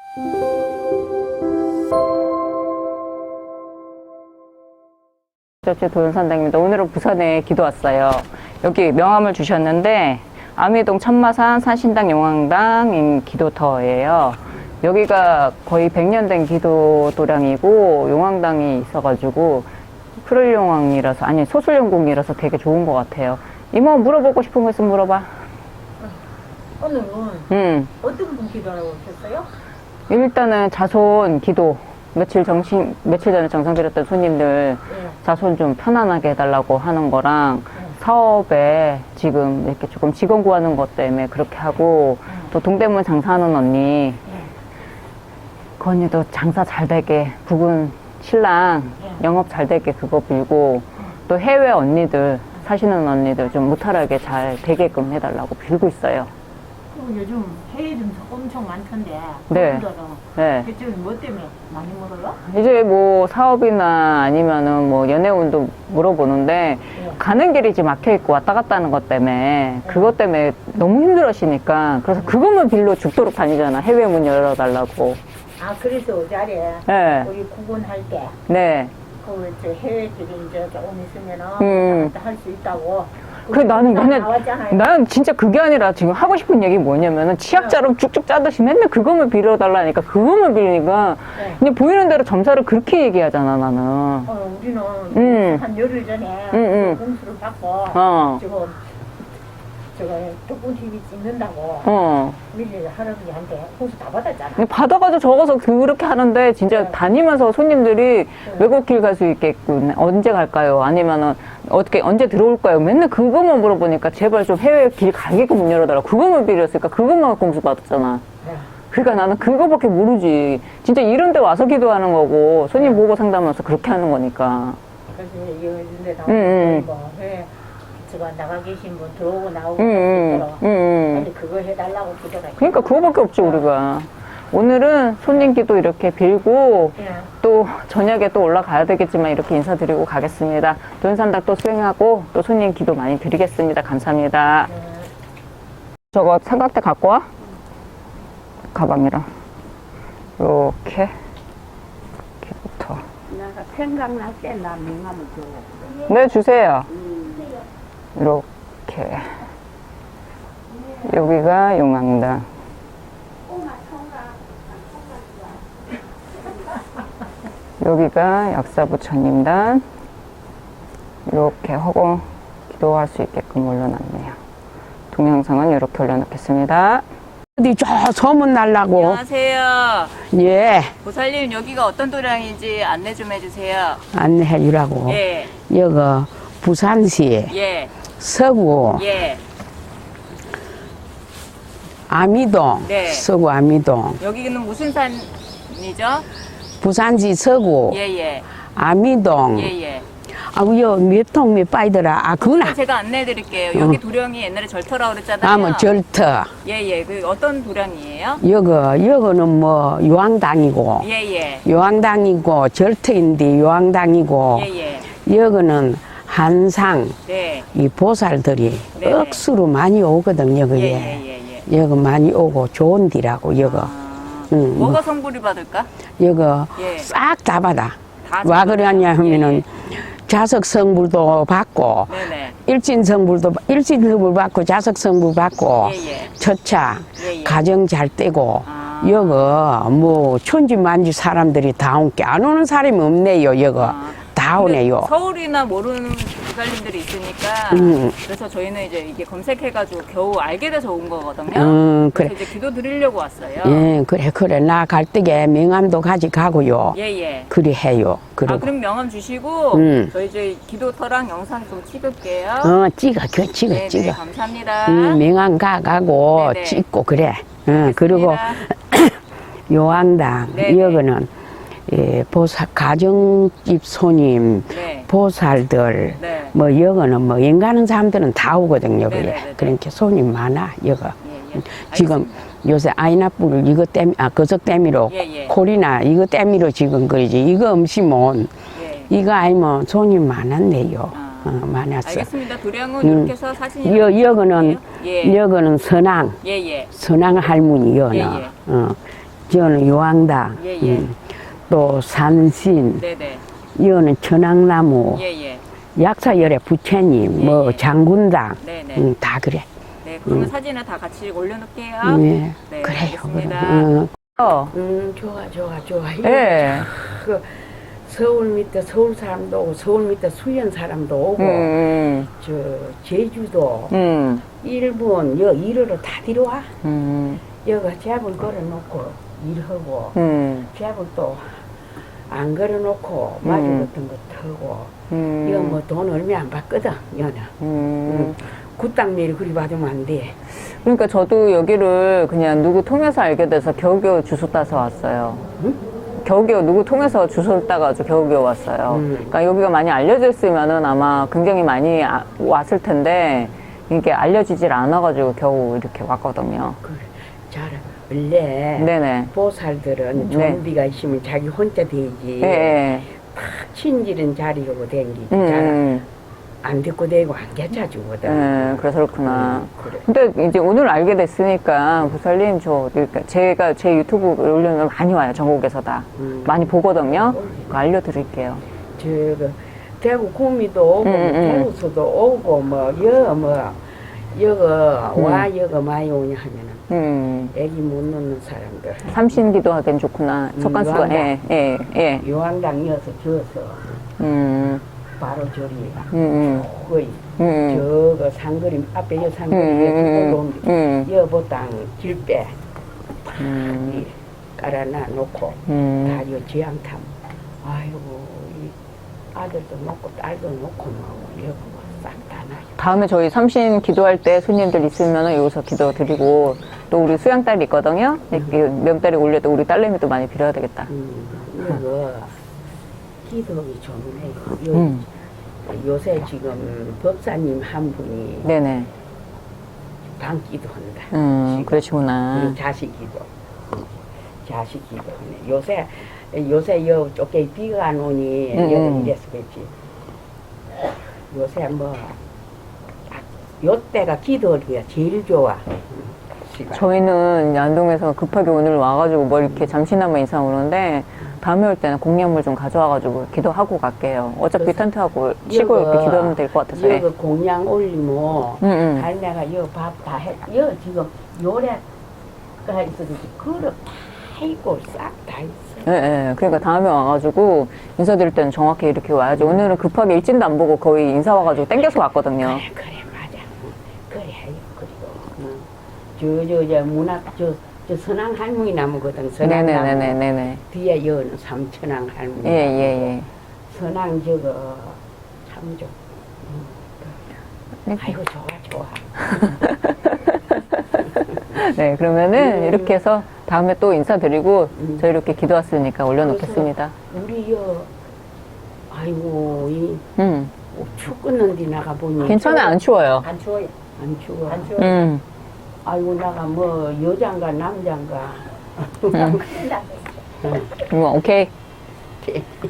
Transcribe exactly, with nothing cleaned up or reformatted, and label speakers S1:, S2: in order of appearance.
S1: 제 도연산당입니다. 오늘은 부산에 기도 왔어요. 여기 명함을 주셨는데 아미동 천마산 산신당 용왕당인 기도터예요. 여기가 거의 백 년 된 기도 도량이고 용왕당이 있어가지고 프를용왕이라서 아니 소술용궁이라서 되게 좋은 것 같아요. 이모 물어보고 싶은 거 있으면 물어봐.
S2: 오늘은
S1: 음.
S2: 어떤 분 기도하라고 오셨어요?
S1: 일단은 자손 기도 며칠 정신 며칠 전에 정상 드렸던 손님들
S2: 네.
S1: 자손 좀 편안하게 해달라고 하는 거랑
S2: 네.
S1: 사업에 지금 이렇게 조금 직원 구하는 것 때문에 그렇게 하고
S2: 네.
S1: 또 동대문 장사하는 언니
S2: 네.
S1: 그 언니도 장사 잘 되게 부군 신랑
S2: 네.
S1: 영업 잘 되게 그거 빌고 또 해외 언니들 사시는 언니들 좀 무탈하게 잘 되게끔 해달라고 빌고 있어요.
S2: 그리고 요즘 해외 좀 엄청 많던데
S1: 네.
S2: 그분들은
S1: 네.
S2: 그쪽은 뭐 때문에 많이 물어요?
S1: 이제 뭐 사업이나 아니면은 뭐 연애운도 물어보는데
S2: 네.
S1: 가는 길이 지금 막혀있고 왔다 갔다 하는 것 때문에 그것 때문에 너무 힘들어하시니까 그래서 그것만 빌려 죽도록 다니잖아. 해외 문 열어달라고.
S2: 아 그래서 어제에
S1: 네.
S2: 우리 구분할 때
S1: 네.
S2: 그 해외들이 이제 조금 있으면은
S1: 음.
S2: 할 수 있다고
S1: 그 나는 맨날
S2: 나왔잖아요.
S1: 난 진짜 그게 아니라 지금 하고 싶은 얘기 뭐냐면은 치약자로 쭉쭉 짜듯이 맨날 그것만 빌어달라니까 그것만 빌리니까
S2: 네.
S1: 그냥 보이는 대로 점사를 그렇게 얘기하잖아 나는.
S2: 어, 우리는
S1: 음.
S2: 한 열흘 전에
S1: 음, 음.
S2: 공수를 받고
S1: 어.
S2: 지금 저거 덕분 티비 찍는다고
S1: 어.
S2: 밀리 할아버지한테 공수 다 받았잖아.
S1: 근데 받아가지고 적어서 그렇게 하는데 진짜
S2: 네.
S1: 다니면서 손님들이
S2: 네.
S1: 외국길 갈 수 있겠군. 언제 갈까요? 아니면은 어떻게 언제 들어올까요? 맨날 그것만 물어보니까 제발 좀 해외 길 가게끔 문 열어달라. 그것만 빌렸으니까 그것만 공수 받았잖아.
S2: 네.
S1: 그러니까 나는 그거밖에 모르지. 진짜 이런 데 와서 기도하는 거고 손님 보고 상담하면서 그렇게 하는 거니까.
S2: 그래서 이런 데
S1: 음, 음.
S2: 나오고 뭐 해. 제가 나가 계신 분 들어오고 나오고
S1: 응,
S2: 할수
S1: 응,
S2: 있도록
S1: 응, 응.
S2: 빨리 그거 해달라고 기도가
S1: 그러니까 그거밖에 없지 우리가. 오늘은 손님 기도 이렇게 빌고
S2: 예.
S1: 또 저녁에 또 올라가야 되겠지만 이렇게 인사드리고 가겠습니다. 도연산당 또 수행하고 또 손님 기도 많이 드리겠습니다. 감사합니다.
S2: 네.
S1: 저거 삼각대 갖고 와? 가방이랑 이렇게 이렇게부터
S3: 내가 생각날 때 나 명함을 줘.
S1: 네 주세요. 이렇게 여기가 용왕당 여기가 약사부처님단 이렇게 하고 기도할 수 있게끔 올려놨네요. 동영상은 이렇게 올려놓겠습니다.
S3: 어디 저 소문 날라고.
S1: 안녕하세요.
S3: 예,
S1: 보살님 여기가 어떤 도량인지 안내 좀 해주세요.
S3: 안내해 주라고.
S1: 예,
S3: 여기 부산시
S1: 예,
S3: 서구
S1: 예.
S3: 아미동,
S1: 네.
S3: 서구 아미동.
S1: 여기는 무슨 산이죠?
S3: 부산시 서구
S1: 예, 예,
S3: 아미동.
S1: 예, 예.
S3: 아우 여몇 통 몇 바이더라. 아 그거나.
S1: 제가 안내해 드릴게요. 여기 도량이 옛날에 절터라고 그랬잖아요.
S3: 아뭐 절터.
S1: 예, 예. 그 어떤 도량이에요?
S3: 여기 여기는 뭐 요왕당이고
S1: 예, 예.
S3: 요왕당이고 절터인데 요왕당이고
S1: 예, 예.
S3: 여기는 한상
S1: 네.
S3: 이 보살들이
S1: 네네.
S3: 억수로 많이 오거든요,
S1: 예,
S3: 여기에.
S1: 예, 예, 예.
S3: 여기 많이 오고 좋은 데라고, 여기.
S1: 아,
S3: 응,
S1: 뭐가
S3: 뭐,
S1: 성불이 받을까?
S3: 여기
S1: 예.
S3: 싹 다 받아.
S1: 다
S3: 와
S1: 받아요?
S3: 그러냐 하면은
S1: 예,
S3: 자석 성불도 받고,
S1: 네네.
S3: 일진 성불도, 일진 성불 받고, 자석 성불 받고,
S1: 예, 예.
S3: 첫차,
S1: 예, 예.
S3: 가정 잘 떼고,
S1: 아.
S3: 여기 뭐 천지만지 사람들이 다 온 게 안 오는 사람이 없네요, 여기.
S1: 아.
S3: 다
S1: 근데
S3: 오네요.
S1: 서울이나 모르는 부살님들이 있으니까
S3: 음.
S1: 그래서 저희는 이제 이게 검색해가지고 겨우 알게 돼서 온 거거든요.
S3: 음,
S1: 그래서
S3: 그래.
S1: 이제 기도 드리려고 왔어요.
S3: 예, 그래, 그래. 나 갈 때에 명함도 가져가고요.
S1: 예, 예.
S3: 그리 해요. 그리고.
S1: 아, 그럼 명함 주시고
S3: 음.
S1: 저희 이제 기도터랑 영상 좀 찍을게요.
S3: 어, 찍어, 그, 찍어,
S1: 네네,
S3: 찍어.
S1: 감사합니다.
S3: 음, 명함 가가고
S1: 네네.
S3: 찍고 그래. 어, 그리고 요왕당,
S1: 네네.
S3: 여기는 예, 보살, 가정집 손님,
S1: 네.
S3: 보살들,
S1: 네.
S3: 뭐 여기는 뭐 인간은 사람들은 다 오거든요. 그래.
S1: 네네네네.
S3: 그러니까 손님 많아, 여기.
S1: 예, 예.
S3: 지금 요새 아이나뿔 이거 땜, 아, 그석 땜이로,
S1: 예, 예.
S3: 콜이나 이거 땜이로 지금 그러지. 이거 없이면,
S1: 예.
S3: 이거 아니면 손님 많았네요.
S1: 아.
S3: 어, 많았어.
S1: 알겠습니다. 도량은
S3: 음.
S1: 이렇게 해서 사진이
S3: 여, 여기는,
S1: 예.
S3: 여기는 선왕,
S1: 예, 예.
S3: 선왕 할머니, 여는.
S1: 예, 예.
S3: 어. 저는 요항당,
S1: 예, 예.
S3: 음, 또 산신,
S1: 네네.
S3: 이거는 천왕나무,
S1: 예, 예.
S3: 약사열의 부처님,
S1: 예,
S3: 뭐
S1: 예.
S3: 장군당,
S1: 네네.
S3: 음, 다 그래.
S1: 네, 그러면
S3: 음.
S1: 사진을 다 같이 올려놓을게요.
S3: 네,
S1: 네,
S3: 그래요.
S1: 알겠습니다.
S3: 음.
S1: 어,
S3: 음, 좋아, 좋아, 좋아.
S1: 예.
S3: 그 서울 밑에 서울 사람도 오고, 서울 밑에 수원 사람도 오고,
S1: 음,
S3: 저 제주도,
S1: 음,
S3: 일본, 여 일하러 다 들어와.
S1: 음,
S3: 여가 잡을 걸어놓고 일하고,
S1: 음,
S3: 잡을 또 안 걸어놓고 마주 같은 거 타고,
S1: 음.
S3: 여 뭐 돈 얼마 안 받거든, 여는.
S1: 음.
S3: 굿땅 내리 그리 받으면 안 돼.
S1: 그러니까 저도 여기를 그냥 누구 통해서 알게 돼서 겨우겨우 주소 따서 왔어요.
S3: 응?
S1: 겨우겨우 누구 통해서 주소를 따가지고 겨우겨우 왔어요.
S3: 음.
S1: 그러니까 여기가 많이 알려져 있으면은 아마 굉장히 많이 아- 왔을 텐데 이게 알려지질 않아가지고 겨우 이렇게 왔거든요.
S3: 그래, 잘, 원래
S1: 네네.
S3: 보살들은
S1: 네.
S3: 좀비가 있으면 자기 혼자 되지.
S1: 예, 예.
S3: 탁 친질은 자리고 댕기지.
S1: 음,
S3: 잘
S1: 음,
S3: 안 듣고 대고 안 개차주거든.
S1: 음, 그래서 그렇구나.
S3: 그래.
S1: 근데 이제 오늘 알게 됐으니까 부살님 저 그러니까 제가 제 유튜브 올려면 많이 와요. 전국에서 다
S3: 음.
S1: 많이 보거든요. 그거 알려드릴게요.
S3: 저거 대구 구미도 오고
S1: 음, 음, 음.
S3: 대구서도 오고 뭐여뭐 여거
S1: 음.
S3: 와 여거 많이 오냐 하면은
S1: 음,
S3: 애기 못 놓는 사람들
S1: 삼신기도 하기엔 좋구나.
S3: 음,
S1: 석간수가
S3: 요한당.
S1: 예, 예, 예.
S3: 요한당 이어서 저어서
S1: 음,
S3: 바로 저리
S1: 음,
S3: 거의
S1: 음, 음,
S3: 저거 상거리 앞에 여
S1: 음,
S3: 상거리
S1: 음,
S3: 올라온
S1: 음,
S3: 여보 땅 길배
S1: 음,
S3: 깔아놔 놓고
S1: 음.
S3: 다요 지향탐 아이고 이 아들도 놓고 딸도 놓고 뭐 여보가 싹다 나요.
S1: 다음에 저희 삼신 기도할 때 손님들 있으면 여기서 기도 드리고 또 우리 수양딸이 있거든요. 이렇게 명딸이 올려도 우리 딸내미도 많이 빌어야 되겠다.
S3: 음, 이거 기도하기 좋네. 요,
S1: 음,
S3: 요새 지금 법사님 한 분이
S1: 네네.
S3: 방기도 한다.
S1: 음,
S3: 지금.
S1: 그러시구나.
S3: 음, 자식 기도. 자식 기도하네. 요새 요새 요 쪽에 비가 안 오니
S1: 음,
S3: 여기
S1: 음.
S3: 이래서 그렇지. 요새 뭐 요때가 기도하기가 제일 좋아. 시간.
S1: 저희는 안동에서 급하게 오늘 와가지고 뭐 이렇게 잠시나마 인사 오는데 다음에 올 때는 공약물 좀 가져와가지고 기도하고 갈게요. 어차피
S3: 그래서
S1: 텐트하고 쉬고
S3: 여거,
S1: 이렇게 기도하면 될 것 같아서. 예.
S3: 여기 공양 올리면
S1: 응, 응.
S3: 할매가 여 밥 다 해. 여 지금 요래가 있어도 그릇 다 있고 싹 다 있어.
S1: 예, 예. 그러니까 다음에 와가지고 인사드릴 때는 정확히 이렇게 와야지. 오늘은 급하게 일진도 안 보고 거의 인사 와가지고 땡겨서 왔거든요.
S3: 그래 그래 맞아. 응. 그래 해요. 그리고 저저 저 문학 저, 저 선왕 할머니 나무거든. 선왕 나무.
S1: 네네네네네.
S3: 뒤에 여는 삼천왕 할머니.
S1: 예, 예, 예.
S3: 선왕 저거 참 좋.
S1: 네.
S3: 아이고 좋아 좋아.
S1: 네, 그러면은
S3: 음.
S1: 이렇게 해서 다음에 또 인사드리고
S3: 음.
S1: 저희 이렇게 기도왔으니까 올려놓겠습니다.
S3: 우리 여 아이고 이
S1: 음.
S3: 춥겠는데 나가 보니
S1: 괜찮아요. 안 추워요.
S2: 안 추워요.
S3: 안 추워.
S2: 안 추워요.
S1: 음.
S3: 아이고 나가 뭐 여잔가 남잔가.
S1: 음. 음, 오케이.